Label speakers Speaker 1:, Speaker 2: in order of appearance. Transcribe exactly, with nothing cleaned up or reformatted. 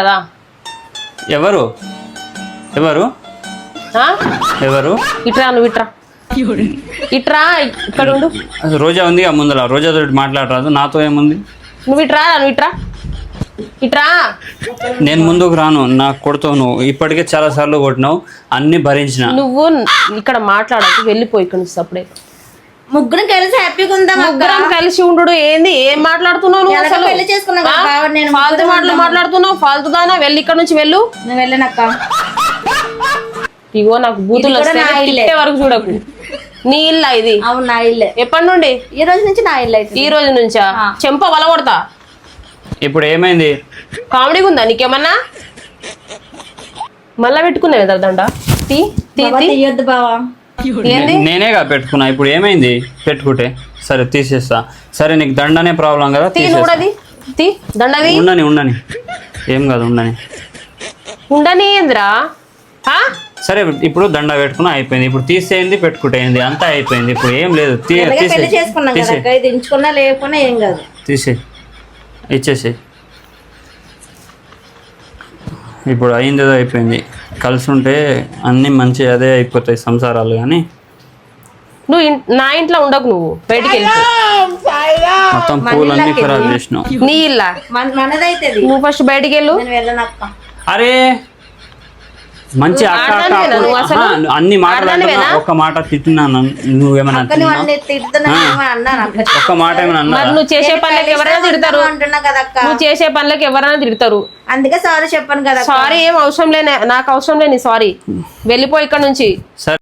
Speaker 1: పదా
Speaker 2: ఎవరు ఎవరు
Speaker 1: ఆ?
Speaker 2: ఎవరు
Speaker 1: ఇట్రా నువ్వు ఇట్రా ఇట్రా ఇక్కడ ఉండు
Speaker 2: రోజా ఉంది ఆ ముందర రోజాతో మాట్లాడరాదు నాతో ఏముంది
Speaker 1: నువ్వు ఇట్రా నువ్వు ఇట్రా ఇట్రా
Speaker 2: నేను ముందుకు రాను నాకు కొడుతావు నువ్వు ఇప్పటికే చాలా సార్లు కొట్టినావు అన్ని భరించిన
Speaker 1: నువ్వు ఇక్కడ మాట్లాడకు వెళ్ళిపోయి ఇక్కడ నుంచి అప్పుడే
Speaker 3: ముగ్గురం కలిసి హ్యాపీగా ఉందాం అక్క.
Speaker 1: ముగ్గురం కలిసి ఉండు ఏంది ఏం మాట్లాడుతున్నావు నువ్వు
Speaker 3: ఎలాగో
Speaker 1: అసలు
Speaker 3: పెళ్లి చేసుకున్నాం కదా,
Speaker 1: ఆ?
Speaker 3: కాబట్టి నేను
Speaker 1: ఫాల్తూ
Speaker 3: ముగ్గురం
Speaker 1: మాటలు
Speaker 3: ఉందాం.
Speaker 1: మాట్లాడుతున్నావు ఫాల్తూ దానా వెళ్ళి ఇక్కడ నుంచి వెళ్ళు
Speaker 3: నేను వెళ్ళనక్క.
Speaker 1: ఇగో నాకు బూతులు
Speaker 3: ఇది కూడా
Speaker 1: వస్తాయి
Speaker 3: నా ఇల్లే.
Speaker 1: తిట్టే వరకు చూడకు నీ ఇల్లా ఇది
Speaker 3: అవును నా ఇల్లే.
Speaker 1: ఎప్పటి నుండి
Speaker 3: ఈ రోజు నుంచి నా ఇల్లు అయితే
Speaker 1: ఈ రోజు నుంచా
Speaker 3: ఆ.
Speaker 1: చెంప వలగొడతా
Speaker 2: ఇప్పుడు ఏమైంది
Speaker 1: కామెడీగా ఉందా నీకేమన్నా మళ్ళా పెట్టుకున్నావు కదా దండ తీ తీ తీ.
Speaker 3: తీయొద్దు బావా.
Speaker 1: ఏంది
Speaker 2: నే- నేనేగా పెట్టుకున్నా ఇప్పుడు ఏమైంది పెట్టుకుంటే సరే తీసేస్తా సరే నీకు దండనే ప్రాబ్లం కదా
Speaker 1: తీ
Speaker 2: తీసేస్తా
Speaker 1: నువ్వుడది తీ దండది
Speaker 2: ఉండని ఉండని ఏం కాదు ఉండని
Speaker 1: ఉండని ఏందిరా ఆ?
Speaker 2: సరే ఇప్పుడు దండ పెట్టుకున్నా అయిపోయింది ఇప్పుడు తీసేయండి పెట్టుకుంటేయింది అంతా అయిపోయింది ఇప్పుడు ఏం లేదు తీ
Speaker 3: ఎలాగే
Speaker 2: తీసే
Speaker 3: పెళ్లి చేసుకున్నాం కదా అక్క, ఇది ఎంచుకున్నా లేకున్నా ఏం కాదు.
Speaker 2: తీసే ఇచ్చేసి ఇప్పుడు అయింది ఏదో అయిపోయింది కలిసి ఉంటే అన్నీ మంచి అదే అయిపోతాయి సంసారాలు కానీ
Speaker 1: నువ్వు ఇన్- నా ఇంట్లో ఉండకు నువ్వు బయటికి వెళ్ళిపో
Speaker 2: మొత్తం పూలన్నీ ఖరాబ్ చేసినావు
Speaker 1: నీ ఇల్లా
Speaker 3: మన- మనదైతే ఇది.
Speaker 1: నువ్వు ఫస్ట్ బయటికి వెళ్ళు
Speaker 3: నేను వెళ్ళనక్క.
Speaker 2: అరే మంచి అక్క అక్క
Speaker 1: ఆడదానివేనా
Speaker 2: అప్పుడు-
Speaker 1: నువ్వు అసలు?
Speaker 2: ఆహా, అన్ని మాటలు
Speaker 1: ఆడదానివేనా?
Speaker 2: అంటున్నా, ఒక్క మాట తిట్టినాను నువ్వేమన్నా
Speaker 3: అక్క నువ్వు
Speaker 2: తిన్నావు
Speaker 3: అన్ని తిడుతున్నావు అన్నాను అక్క.
Speaker 2: ఒక్క మాట ఏమైనా
Speaker 1: మరి
Speaker 2: అన్నా
Speaker 1: నువ్వు చేసే పనులకు ఎవరైనా తిడతారు
Speaker 3: అంటున్నా కదా అక్క.
Speaker 1: నువ్వు చేసే పనులకు ఎవరైనా తిడతారు
Speaker 3: అందుకే సారీ చెప్పాను కదా అక్క.
Speaker 1: సారీ ఏం అవసరం లేనే నాకు అవసరం లేని సారీ వెళ్ళిపో ఇక్కడ నుంచి
Speaker 2: సరే